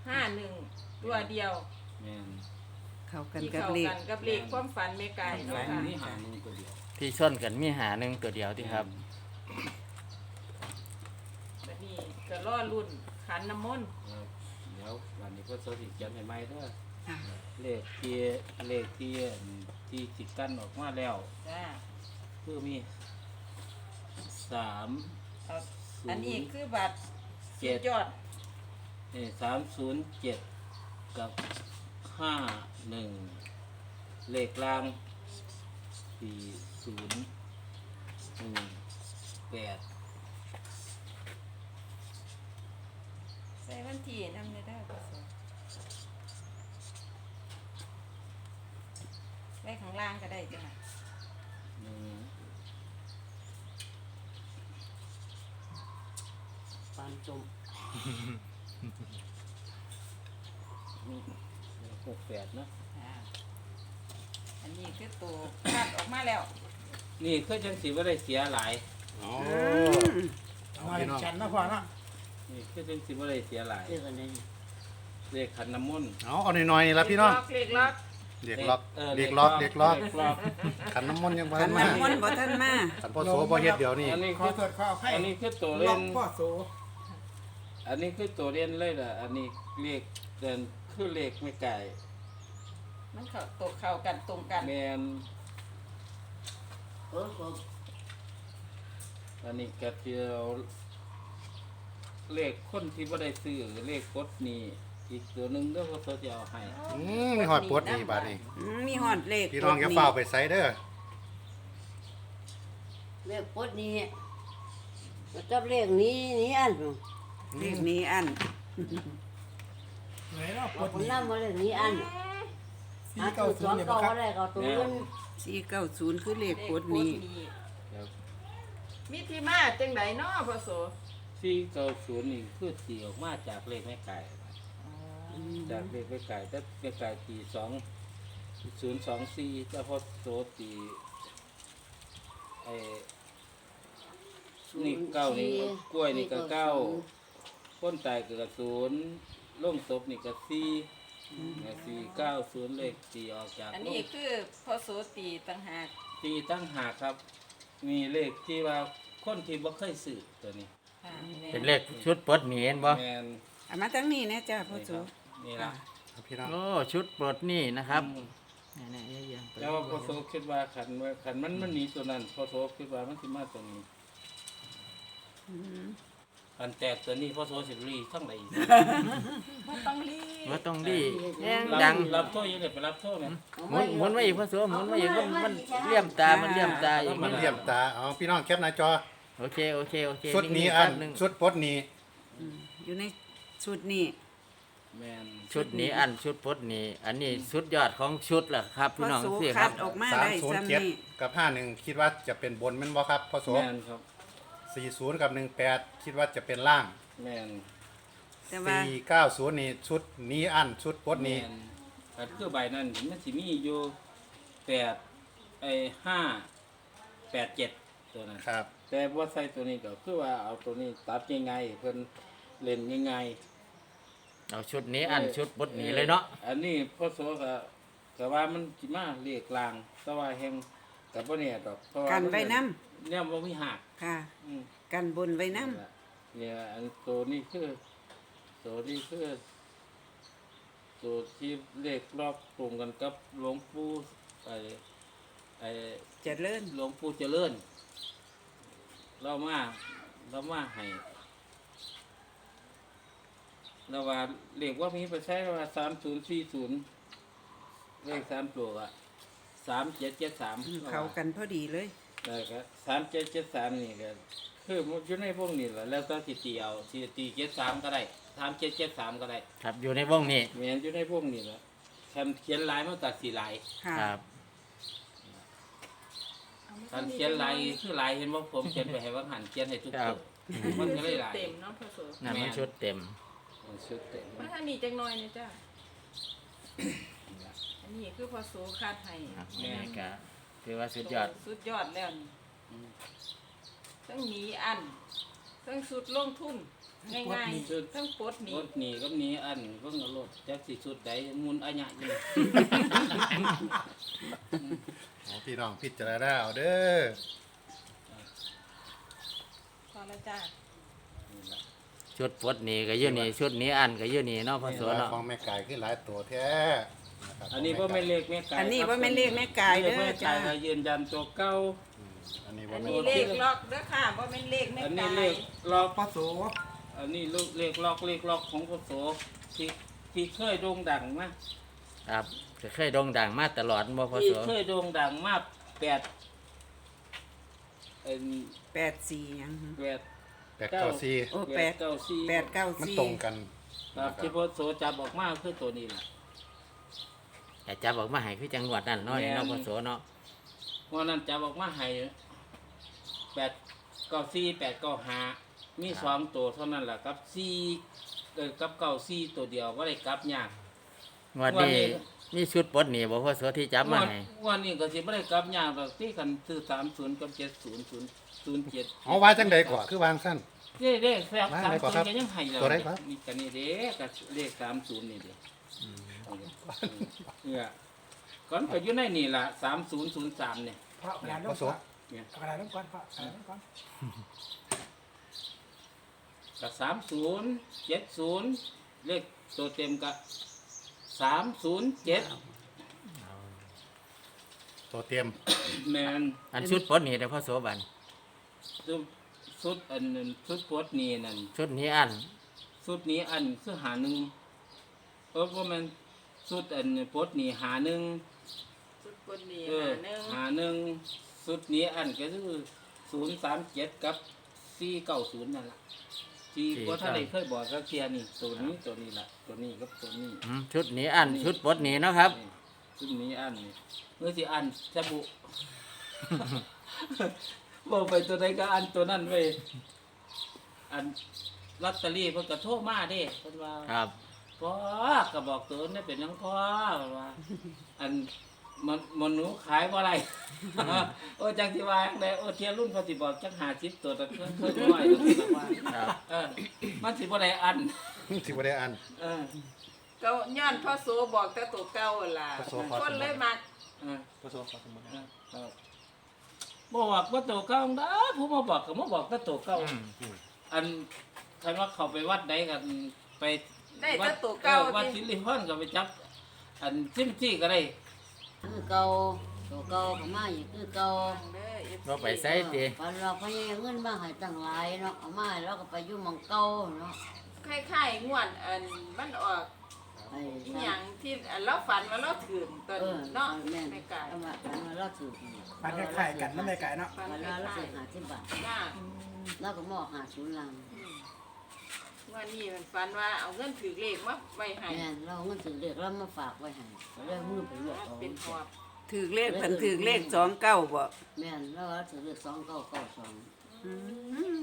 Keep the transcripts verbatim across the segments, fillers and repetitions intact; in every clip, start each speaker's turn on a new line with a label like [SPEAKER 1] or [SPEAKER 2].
[SPEAKER 1] ห้าหนึ่งตัวเดียว
[SPEAKER 2] แม่น
[SPEAKER 3] เข้ากัน
[SPEAKER 1] ที่
[SPEAKER 3] กับ
[SPEAKER 1] เข้า
[SPEAKER 3] เลข
[SPEAKER 1] กันกับเลขความฝันแม่ไก่เนาะ
[SPEAKER 2] ฝัน
[SPEAKER 1] ค่ะ
[SPEAKER 2] นี่หาหนึ่งตัวเดียว
[SPEAKER 4] ที่ชนกันมีหาหนึ่งตัวเดียวที่ครับ
[SPEAKER 1] แบบนี้ก็รอรุ่นขันน้ำมนต์
[SPEAKER 2] ครับเดี๋ยววันนี้ก็โซสิเขียนใหม่ๆเด้อ
[SPEAKER 3] ค่ะ
[SPEAKER 2] เลขที่เลขที่ที่สิกันออกมาแล้ว
[SPEAKER 1] จ้า
[SPEAKER 2] คือมีสาม
[SPEAKER 1] เอาอันนี้คือบัตร
[SPEAKER 2] เจ็ด
[SPEAKER 1] ยอด
[SPEAKER 2] นี่สามศูนย์เจ็ดกับห้าหนึ่งเลขล่างสี่ศูนย์หนึ่งแปด
[SPEAKER 1] ใส่วันที่นำได้ได้ก็สวยไว้ข้างล่างก็ได้จ้ะ
[SPEAKER 2] หนึ่ง
[SPEAKER 5] ปานจม
[SPEAKER 2] หกแปดเนอะ
[SPEAKER 1] อ่าอันนี้คือตัวคัดออกมาแล้ว
[SPEAKER 2] นี่คือจังสีว่าได้เสียหลาย
[SPEAKER 6] อ๋อ
[SPEAKER 5] เอาให้ฉันนะพ่อเนาะ
[SPEAKER 2] นี่คือจังสีว่าได้เสียหลาย
[SPEAKER 5] เรียกกันได้
[SPEAKER 2] เลขขันน้ำมนต์
[SPEAKER 6] เอาเอาหน่อยๆนี่ละพี่น้อง
[SPEAKER 1] เลขล็อก
[SPEAKER 6] เด็กล็อก
[SPEAKER 2] เออ
[SPEAKER 6] เด็กล็อกเด็กล็อก
[SPEAKER 2] เด็กล็อก
[SPEAKER 6] ขันน้ำมนต์ยังบ่
[SPEAKER 3] ขั
[SPEAKER 6] ทั
[SPEAKER 3] น
[SPEAKER 6] นมา
[SPEAKER 3] น้ำมนต์บ่ทันมา
[SPEAKER 6] ขันพ่อโสบ่เฮ็ดเดี๋ยวนี้
[SPEAKER 2] อันนี้
[SPEAKER 5] ขอ
[SPEAKER 2] คือ
[SPEAKER 5] โทษขอให้
[SPEAKER 2] อันนี้คือตัว
[SPEAKER 5] ล็
[SPEAKER 2] เล่
[SPEAKER 5] อก
[SPEAKER 2] น
[SPEAKER 5] พ่อโส
[SPEAKER 2] อันนี้คือตัวเล่นเลยล่ะอันนี้เลขเดินคือเลขไม่ไก่
[SPEAKER 1] มันเข้าตกเข้ากันตรงกัน
[SPEAKER 2] แมน
[SPEAKER 5] เออขอ
[SPEAKER 2] อันนี้กระเทียวเลขคนที่บ่ได้ซื้อเลขกดนี่อีกตัวหนึงเด้อเขาจะเอาให้
[SPEAKER 6] อืมมีหอดปวดนี่บาดนี้
[SPEAKER 3] อืมมีฮอดเลข
[SPEAKER 6] พี่น้องอย่าเฝ้าวไปไสเด้อ
[SPEAKER 5] เลขปดนี้มาจับเลขนี้นี่อัน
[SPEAKER 3] เลขนี้อัน
[SPEAKER 7] ไหนเนาะป
[SPEAKER 5] เอา
[SPEAKER 7] ด
[SPEAKER 5] คน
[SPEAKER 7] นี่
[SPEAKER 5] นั่งมาเลขนี้อัน
[SPEAKER 7] สี่
[SPEAKER 5] หา
[SPEAKER 7] เก้า
[SPEAKER 5] ตัว
[SPEAKER 7] ศู
[SPEAKER 5] สอน ง
[SPEAKER 7] ย์เนี่ย
[SPEAKER 5] เก้า
[SPEAKER 7] ครับ
[SPEAKER 5] อะไรก็ตัวเงิน
[SPEAKER 3] สี่เก้าศูนย์คือเลข
[SPEAKER 1] เลข
[SPEAKER 3] กดนี้
[SPEAKER 2] ครับ
[SPEAKER 1] มีที่มาจังไดเนาะพ่อโส
[SPEAKER 2] ที่เก้าศูนย์นี่คือตีออกมาจากเลขแม่ไก่จากเลขแม่ไก่แต่แม่ไก่ตีสองศูนย์สองสี่แต่พอโสตีไอ้นี่เก้านี่กล้วยนี่ก็เก้าพ้นตายก็ศูนย์ล่งศพนี่ก็สี่สี่เก้าศูนย์เลขตีออกจาก
[SPEAKER 1] อันนี้คือพ่อโสตีต่างหาก
[SPEAKER 2] ตีตั้งหากครับ มีเลขที่ว่าคนที่บ่เคยซื้อตัวนี้
[SPEAKER 1] ค่ะ
[SPEAKER 4] เป็นเลขชุดปลดหนีเห็นบ่
[SPEAKER 2] แมน
[SPEAKER 3] เอามาทั้งนี้นะจ้าพ่อ
[SPEAKER 2] นี่
[SPEAKER 3] โส
[SPEAKER 2] ครับนี่ละ
[SPEAKER 6] พี่น้อง
[SPEAKER 4] โอ้ชุดปลดหนี่นะครับ
[SPEAKER 2] อืม
[SPEAKER 4] นี่ๆเยอะๆไป
[SPEAKER 2] แล้วพอโซคิดว่าขันว่าขันมันมันหนีตัวนั้นพอโซคิดว่ามันสิมาตัวนี้
[SPEAKER 3] อืม
[SPEAKER 2] ขันแตกตัวนี้พอโซสิรีทั้งไหน
[SPEAKER 1] บ่ต้องรีบ
[SPEAKER 4] ว่าต้องดีแย่ง
[SPEAKER 2] รับ
[SPEAKER 4] ดัง
[SPEAKER 2] รับโทษยังไงไปรับโทษไหม
[SPEAKER 4] หมุนหมุนไว้อีกพระสวหมุนไว้อีกมันมันเลี่ยมตา มันเลี่ยมตาอีก
[SPEAKER 6] มันเลี่ยมตาเอาพี่น้องแคปหน้าจอ
[SPEAKER 4] โอเคโอเคโอเค
[SPEAKER 6] ชุดนี้
[SPEAKER 4] งๆ
[SPEAKER 6] อัน
[SPEAKER 4] แป๊บหนึ่ง
[SPEAKER 6] ชุดปลดนี้
[SPEAKER 3] อืมอยู่ในชุดนี้
[SPEAKER 2] แมน
[SPEAKER 4] ชุดนี้อันชุดปลดหนี้อันนี้สุดยอดของชุดแหละครับ
[SPEAKER 3] พ่
[SPEAKER 4] พี่
[SPEAKER 3] อ
[SPEAKER 4] น้อง
[SPEAKER 3] โส
[SPEAKER 4] สิค
[SPEAKER 3] คั
[SPEAKER 4] รั
[SPEAKER 3] ด
[SPEAKER 4] บ
[SPEAKER 3] ออกมา
[SPEAKER 6] สาม
[SPEAKER 3] ได้
[SPEAKER 6] ศูนย์
[SPEAKER 3] ซ้ำ
[SPEAKER 6] เจ็ด
[SPEAKER 3] นี่
[SPEAKER 6] กับห้าหนึ่งคิดว่าจะเป็นบนแม่นบ่ครับพ่อโส
[SPEAKER 2] แมนครับ
[SPEAKER 6] สี่ศูนย์กับหนึ่งแปดคิดว่าจะเป็นล่าง
[SPEAKER 2] แมน
[SPEAKER 3] แต่ว่า
[SPEAKER 6] สี่เก้าศูนย์นี่ชุดนี้อันชุดปลด
[SPEAKER 2] แม
[SPEAKER 6] นี้
[SPEAKER 2] นอันคือใบนั้นมันสิมีอยู่แปดไอ้ห้าแปดเจ็ดตัวนั้น
[SPEAKER 6] ครับ
[SPEAKER 2] แต่ว่าใส่ตัวนี้ก็คือว่าเอาตัวนี้ตัดยังไงเพิ่นเล่นยังไง
[SPEAKER 4] เอาชุดนี้อันชุดปลดหนี้เลยเนาะ
[SPEAKER 2] อันนี้พ่อโสก็ก็ว่ามันสิมาเรียกลางแต่ว่าแห่งกับบ่เนี่ยดอกเพราะว่า
[SPEAKER 3] กันไว้น้
[SPEAKER 2] เนี่ยบ่มีหัก
[SPEAKER 3] ำค่ะ
[SPEAKER 2] อืม
[SPEAKER 3] กันบนไว้น้
[SPEAKER 2] เนี่ยอันตัวนี้คือตัวนี้คือตัวที่เลขรอบตรงกันกับหลวงปู่ไอ้ไอ้
[SPEAKER 3] ำเจะเลิ่น
[SPEAKER 2] หลวงปู่เจริญเรามาเรามาให้เราว่าเลขว่ามีไปใช้ว่าสามศูนย์สี่ศูนย์เลขสามตัวอะสามเจ็ดเจ็ดสาม
[SPEAKER 3] เขากันพอดีเลย
[SPEAKER 2] ได้ครับสามเจ็ดเจ็ดสามนี่ก็คือมันอยู่ในพวกนี้แหละแล้วก็ตีตีเอาตีตีเจ็ดสามก็ได้สามเจ็ดเจ็ดสามก็ได้
[SPEAKER 4] ครับอยู่ในวงนี้
[SPEAKER 2] เหมือนอยู่ในพวกนี้แหละคำเขียนลายมันตัดสีลาย
[SPEAKER 3] ค่ะ
[SPEAKER 4] ครับ
[SPEAKER 2] คำเขียนลายคือลายเห็นว่าผมเขียนไปให้ว่าหันเขียนให้ทุก
[SPEAKER 4] ครั
[SPEAKER 2] ตั
[SPEAKER 4] บ
[SPEAKER 2] วมันก็เลยลาย
[SPEAKER 1] เต็มเนาะพ่อโส
[SPEAKER 4] นั่นมันชุดเต็ม
[SPEAKER 2] มันชุดเต็ม
[SPEAKER 1] มาทางนี้จังหน่อยนี่จ้าอันนี้คือพ่อโสคัดให้
[SPEAKER 4] ครับนี่ก็ถือว่าสุดยอด
[SPEAKER 1] สุดยอดแล้วนี่ต้องหนีอันทั้งสุดลงทุนง่ายๆทั้งปลดห
[SPEAKER 2] ร
[SPEAKER 1] นี้
[SPEAKER 2] ถหนีกับหนีอันเพิ่งเอารถจักสิสุดใดมุนอัญญะอยู่
[SPEAKER 6] เอาพี่น้องพิจารณาเอาเด้อ
[SPEAKER 1] พอละจ้า
[SPEAKER 4] ชุดปลดหนี่ก็อยู่นี่ชุดหนี้อันก็อยู่นี่เนาะพ่อโสเนาะ
[SPEAKER 6] ของแม่ไก่ขึ้นหลายตัวแท้ะครับ
[SPEAKER 2] อันนี้บ่แม่นเลขแม่ไก่
[SPEAKER 3] อันนี้ว่าแม่นเลขแม่กายเด้อ
[SPEAKER 2] แม่ไก่
[SPEAKER 3] จ้า
[SPEAKER 2] ก็ยืนยันตัวเก่า
[SPEAKER 6] อันนี้
[SPEAKER 1] อั
[SPEAKER 6] ว่าน แม่
[SPEAKER 1] นี้เลขล็อกเด้อค่ะว่าเป็นเลขแม่
[SPEAKER 2] อันนี้
[SPEAKER 1] กา
[SPEAKER 2] เลย ขล็อก
[SPEAKER 7] ปลาโส
[SPEAKER 2] อันนี้ลูกเลขล็อกเลขล็อกของพศที่ที่เคยโด่งดังนะครับ
[SPEAKER 4] ก็เคยโด่งดังมาตลอดบ่พ่อ
[SPEAKER 2] ที่
[SPEAKER 4] โส
[SPEAKER 2] เคยโด่งดังมากแปดเอ็น
[SPEAKER 3] แปดสี่หยังหึ
[SPEAKER 2] แปด
[SPEAKER 6] แปดเก้าสี่
[SPEAKER 3] โอ้
[SPEAKER 2] แป
[SPEAKER 3] แป
[SPEAKER 2] ด
[SPEAKER 3] ด
[SPEAKER 2] เก้าสี่
[SPEAKER 3] แปดเก้า
[SPEAKER 6] มัน
[SPEAKER 3] สี่
[SPEAKER 6] ตรงกัน
[SPEAKER 2] ครับที่พศจับออกมาคือตัวนี้แหละ
[SPEAKER 4] แต่จับออกมาให้คือจังหวัดนั่นเนาะนี่เนาะพ่อโสเนาะ
[SPEAKER 2] เพราะนั้นจับออกมาให้แปดเก้าสี่แปดเก้าห้ามีสองตัวเท่านั้นแหละกับสี่เออกับเก้าสี่ตัวเดียวว่าได้กลับยาก
[SPEAKER 4] งวดนี้มีชุดปลดหนี่บ่พ่อโสที่จับมาให้
[SPEAKER 2] วันนี้ก็สิบ่ได้กลับยากหรอกที่กันซื้อสามศูนย์กับเจ็ดศูนย์ศูนย์ศูนย์เจ็ด
[SPEAKER 6] เอาว่าจังใดก่อนคือวางสั้น
[SPEAKER 2] เด้เด้แซ่บ
[SPEAKER 6] มา
[SPEAKER 2] สาม
[SPEAKER 6] ไหนก่
[SPEAKER 2] ศู
[SPEAKER 6] อน
[SPEAKER 2] น
[SPEAKER 6] ครับ
[SPEAKER 2] ย์ก็ยังให้แล้ว
[SPEAKER 6] ตัวไหนครับ
[SPEAKER 2] นี่กันนี่เด้กับเลขสามศูนย์นี่เด้เนี่ยก่อนก็อยู่ในนี่ล่ะสามศูนย์ศูนย์สามเนี่ย
[SPEAKER 7] พระกระดาษ
[SPEAKER 6] พ่อโส
[SPEAKER 2] เนี่ย
[SPEAKER 7] กระดาษน้ำก้อนพระกระดาษน้ำก้อน
[SPEAKER 2] กับสามศูนย์เจ็ดศูนย์เลขตัวเต็มกับสามศูนย์เจ็ด
[SPEAKER 6] ตัวเตรียม
[SPEAKER 2] แมน
[SPEAKER 4] อันชุดปลดหนี่เด้อพ่อโสบัน
[SPEAKER 2] ชุดชุดอันนั้นชุดโพดนี่นั่น
[SPEAKER 4] ชุดหนี้อัน
[SPEAKER 2] ชุดนี้อันคือหาหนึ่งเออว่ามันชุดอันโพดนี่หาหนึ่ง
[SPEAKER 1] สุดปลดหนี้
[SPEAKER 2] เออ
[SPEAKER 1] หาหนึ่ง
[SPEAKER 2] หาหนึ่งชุดนี้อันก็คือศูนย์สามเจ็ดกับสี่เก้าศูนย์นั่นแหละที่ว่าท่านใดเคยบอกก็เทียนี่ตัวนี้ตัวนี้แหละตัวนี้กับตัวนี้
[SPEAKER 4] อืมชุดหนี้อันชุดปลดหนี่เนาะครับ
[SPEAKER 2] นี่ชุดนี้อันนี่เมื่อสิอันจะบุ บอกไปตัวใดก็อันตัวนั้นไปอันลอตเตอรี่เพิ่นก็โทรมาเด้เพิ่นว่า
[SPEAKER 4] ครับ
[SPEAKER 2] พ่อก็บอกตัวนี้เป็นหยังพ่อว่า อันมันมันหนูขายบ่ไร โอ้จังสิว่าจั่งใดโอ้เทียรุ่นเขาสิบอกจักห้าสิบตัวแต่เพิ่นเพิ่นน้อยตัวสิว่า
[SPEAKER 4] ครับ
[SPEAKER 2] เออมันสิบ่ได้อัน
[SPEAKER 6] สิบ่ได้อัน
[SPEAKER 2] เออ
[SPEAKER 1] ก็ย้อนพ่อโสบอกแต่ตัวเก่าหั่นล่ะ
[SPEAKER 6] พ่อโสขอ
[SPEAKER 1] คนเลยมัก
[SPEAKER 2] เออ
[SPEAKER 6] พ่อโสขอสมมุติ
[SPEAKER 2] เออบอกว่าตัวเก่าได้ผู้มาบอกก็มาบอกแต่ตัวเก่า อันคันว่าเขาไปวัดใดกันไป
[SPEAKER 1] ได้
[SPEAKER 2] วั
[SPEAKER 1] แต่
[SPEAKER 2] ด
[SPEAKER 1] ตัวเก่า
[SPEAKER 2] ออวัด
[SPEAKER 1] ที่
[SPEAKER 2] สิริพรก็ไปจับ อันซิมซี่ก็ได้
[SPEAKER 5] คือเก่าตัวเก่าก็มาอยู่คือเก่า
[SPEAKER 1] เด้อ เอฟซี
[SPEAKER 4] บ่ไปใส่ติ
[SPEAKER 5] วันเราพยายามเงินมาให้ตั้งหลายเนาะเอามาให้เราก็ไปอยู่หมองเก่าเนาะ
[SPEAKER 1] คล้ายๆงวดอันมันออก
[SPEAKER 5] ไอ้
[SPEAKER 1] อหย่างที่อันเราฝันว่าเราถือตอน
[SPEAKER 5] เออ
[SPEAKER 1] เนาะ
[SPEAKER 5] แม่น
[SPEAKER 1] ในกาย
[SPEAKER 5] เอามาเอามาเราถือ
[SPEAKER 7] มันคล้ายๆกันนั่นไม่ไก่เนาะ
[SPEAKER 1] ฝัน
[SPEAKER 5] วัน
[SPEAKER 1] ค
[SPEAKER 5] เราเรา
[SPEAKER 1] ล้า
[SPEAKER 5] ถื
[SPEAKER 1] ย
[SPEAKER 5] อหาสิบบาท
[SPEAKER 1] ๆจ้า
[SPEAKER 5] เราก็มอบหาศูนย์ลัง
[SPEAKER 1] ว่านี่มันฝันว่าเอาเงินถือเลขมาไว้ให้
[SPEAKER 5] แม่นเราเอาเงินถือเรียกเรามาฝากไว้ให้ก็เลยมือไปรวบเอา
[SPEAKER 1] เป็นหอบ
[SPEAKER 3] ถือเลขเพิ่นถือเลขสองเก้าบ่
[SPEAKER 5] แม่นเราเอาถือเรียกสองเก้าเก้าสอง
[SPEAKER 3] อืม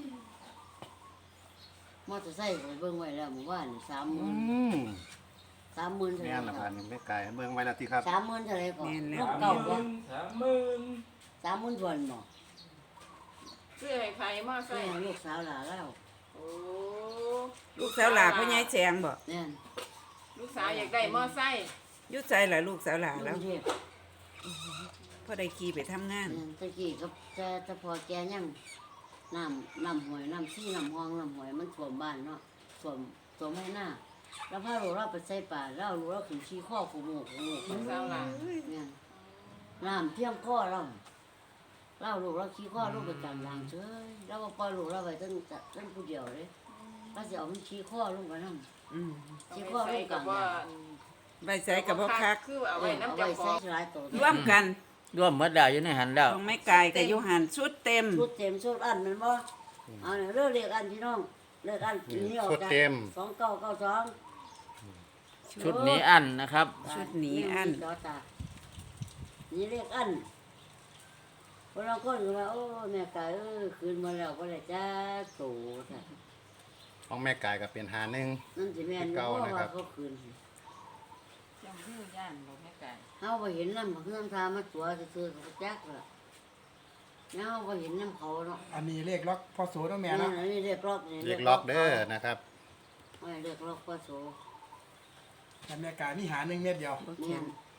[SPEAKER 5] มอเตอร์ไซค์ไปเบิ่งไว้แล้วเมื่อวานสามห
[SPEAKER 6] อื
[SPEAKER 5] มื่น
[SPEAKER 6] ม
[SPEAKER 5] สามหมื่นเท่าไห
[SPEAKER 6] แม่
[SPEAKER 5] ร่
[SPEAKER 6] นละ
[SPEAKER 5] ค
[SPEAKER 6] พั
[SPEAKER 5] รั
[SPEAKER 6] น
[SPEAKER 5] บ
[SPEAKER 6] แม่ไก่เบิ่งไว้แล้วที่ครับ
[SPEAKER 5] สามหมื่นเท่าไหร่ก่อน
[SPEAKER 3] แม่นแล้
[SPEAKER 5] ร
[SPEAKER 3] ว
[SPEAKER 5] ถเก่าบ่
[SPEAKER 2] สามหมื่น
[SPEAKER 5] สามหมื่นทวนบ่
[SPEAKER 1] ซื้อให้ใครมา
[SPEAKER 5] ใช่
[SPEAKER 1] ใส่
[SPEAKER 5] ลูกสาวหลานเรา
[SPEAKER 1] โอ้
[SPEAKER 3] ลูกสาวหลาพ่อใหญ่แจงบ่
[SPEAKER 5] แม่น
[SPEAKER 1] ลูกสาวอยากได้มอไซค์
[SPEAKER 3] อยุดใจล่ะลูกสาวหลา
[SPEAKER 5] แล้
[SPEAKER 3] แล้ว ว
[SPEAKER 5] เทพ
[SPEAKER 3] พ่อได้ขี่ไปทำงาน
[SPEAKER 5] แม่นตะกี้ก็จะจะพอแกยังน้ำน้ำหวยน้ำซี่น้ำห้องน้ำหวยมันท่วมบ้านเนาะท่วมท่วมให้หน้าแล้วพาลูกเราไปใส่ป่าแล้วลูกเราขึ้นชี้ข้อขู่หมูขู่หมู
[SPEAKER 1] ลูกสาวหลาน
[SPEAKER 5] แม่นน้ำเพียงข้อเราเราลูกเราขี้ข้อลูกไปจำลางเฉยเราก็ปล่อยลูกเราไปตั้งแต่ตั้งผู้เดียวเลยเราจะเอามันขี้ข้อลงไปนั่ง
[SPEAKER 3] อืม
[SPEAKER 5] ขี้ข้อลงกลาง
[SPEAKER 1] ว่า
[SPEAKER 3] ใบใส่กับพ่อคัก
[SPEAKER 1] คือเอาไว้
[SPEAKER 5] เอา
[SPEAKER 1] น้ำ
[SPEAKER 5] ไว้
[SPEAKER 1] เจ้าข
[SPEAKER 5] ใส่
[SPEAKER 1] อง
[SPEAKER 5] หลายตัว
[SPEAKER 3] ร่วมกัน
[SPEAKER 4] ร่วมหมดแล้วอยู่ในหันแล้ว
[SPEAKER 3] ของแม่กายกับยุหันชุดเต็ม
[SPEAKER 5] ชุดเต็มชุดอันแมันบ่เอาเนี่ยเลือกเรียกอันพี่น้องเลือกอันนี้ออกจากสองเก้าเก้าสอง
[SPEAKER 4] ชุดหนี้อันนะครับ
[SPEAKER 3] ชุดหนีอัน
[SPEAKER 5] จอตานี่เรียกอันพวกเราคนก็ว่าโอ้แม่กายเออคืนมาแล้วก็เลยจ้าโตค่ะ
[SPEAKER 6] ของแม่ไก่ก็เป็นหาหนึ่ง
[SPEAKER 5] นั่นสิแม่น
[SPEAKER 6] เก่า
[SPEAKER 5] เพราะ
[SPEAKER 6] นะครั
[SPEAKER 5] ว่า
[SPEAKER 6] บ
[SPEAKER 5] เขาคืน
[SPEAKER 1] ยังฮื้อย่านบ่แม่ไก่
[SPEAKER 5] เฮาไปเห็นน้ำเพื่อนทามาตัวซื่อๆเขาจักล่ะแล้วเราบ่เห็นน้ำเขาเนาะ
[SPEAKER 7] อันนี้เลขล็อกพ่อโสต้องแม่
[SPEAKER 5] นี่
[SPEAKER 7] เนาะ
[SPEAKER 5] นี่เรียกล็อกนี่
[SPEAKER 6] เรียกล็อกเด้อนะครับ
[SPEAKER 5] เรียกล็อกพ่อโส
[SPEAKER 7] แต่แม่กายมีหาหนึ่งเม็ดเดียว
[SPEAKER 3] บ่
[SPEAKER 5] เนี่
[SPEAKER 3] เขีย
[SPEAKER 5] ย
[SPEAKER 3] น